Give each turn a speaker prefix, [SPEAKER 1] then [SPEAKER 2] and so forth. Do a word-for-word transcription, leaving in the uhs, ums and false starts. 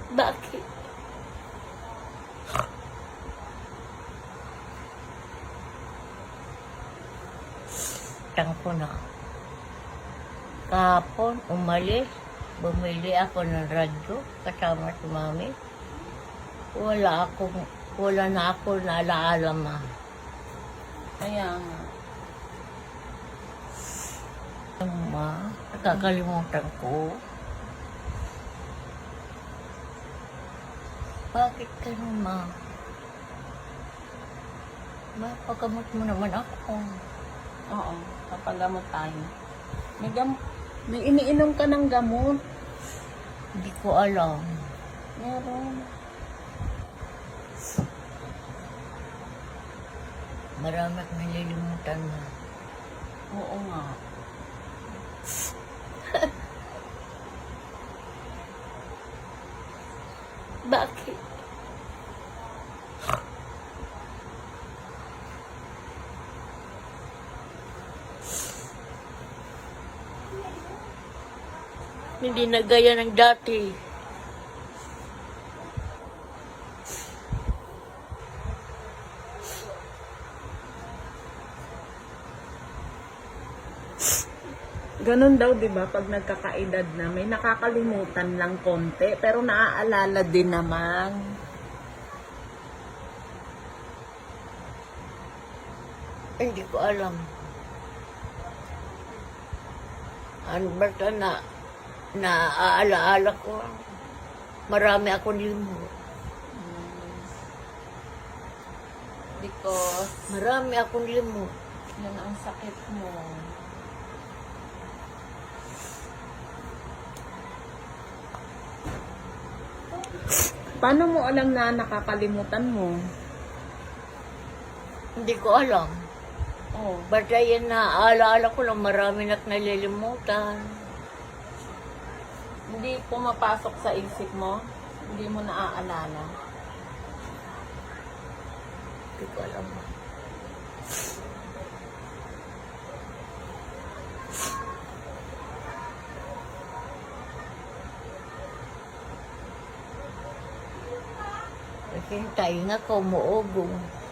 [SPEAKER 1] Bakit? Tangko na. Kahapon, umalis. Bumili ako ng radyo kasama si mami. Wala akong, wala na ako naalaala, ma.
[SPEAKER 2] Kaya nga.
[SPEAKER 1] Ma, nakakalimutan ko. Bakit ganun, ma? Ma, pagkamot mo naman ako.
[SPEAKER 2] Oo, papagamot tayo. May gam may iniinom ka ng gamot.
[SPEAKER 1] Hindi ko alam.
[SPEAKER 2] Meron.
[SPEAKER 1] Marami akong nalilimutan na.
[SPEAKER 2] Oo nga.
[SPEAKER 1] Bakit? Hindi na gaya ng dati.
[SPEAKER 2] Ganun daw, di ba, pag nagkakaedad na, may nakakalimutan lang konti, pero naaalala din naman.
[SPEAKER 1] Hindi ko alam. Ano basta na naaalaala ko. Marami akong limot.
[SPEAKER 2] Because,
[SPEAKER 1] Marami akong limot.
[SPEAKER 2] yan ang sakit mo. Paano mo alam na nakakalimutan mo?
[SPEAKER 1] Hindi ko alam.
[SPEAKER 2] Oh,
[SPEAKER 1] Basta yan naaalaala ko lang, marami na nalilimutan.
[SPEAKER 2] hindi pumapasok sa isip mo? Hindi mo naaalala?
[SPEAKER 1] Hindi ko alam. Kasi tayo nga kumuugong.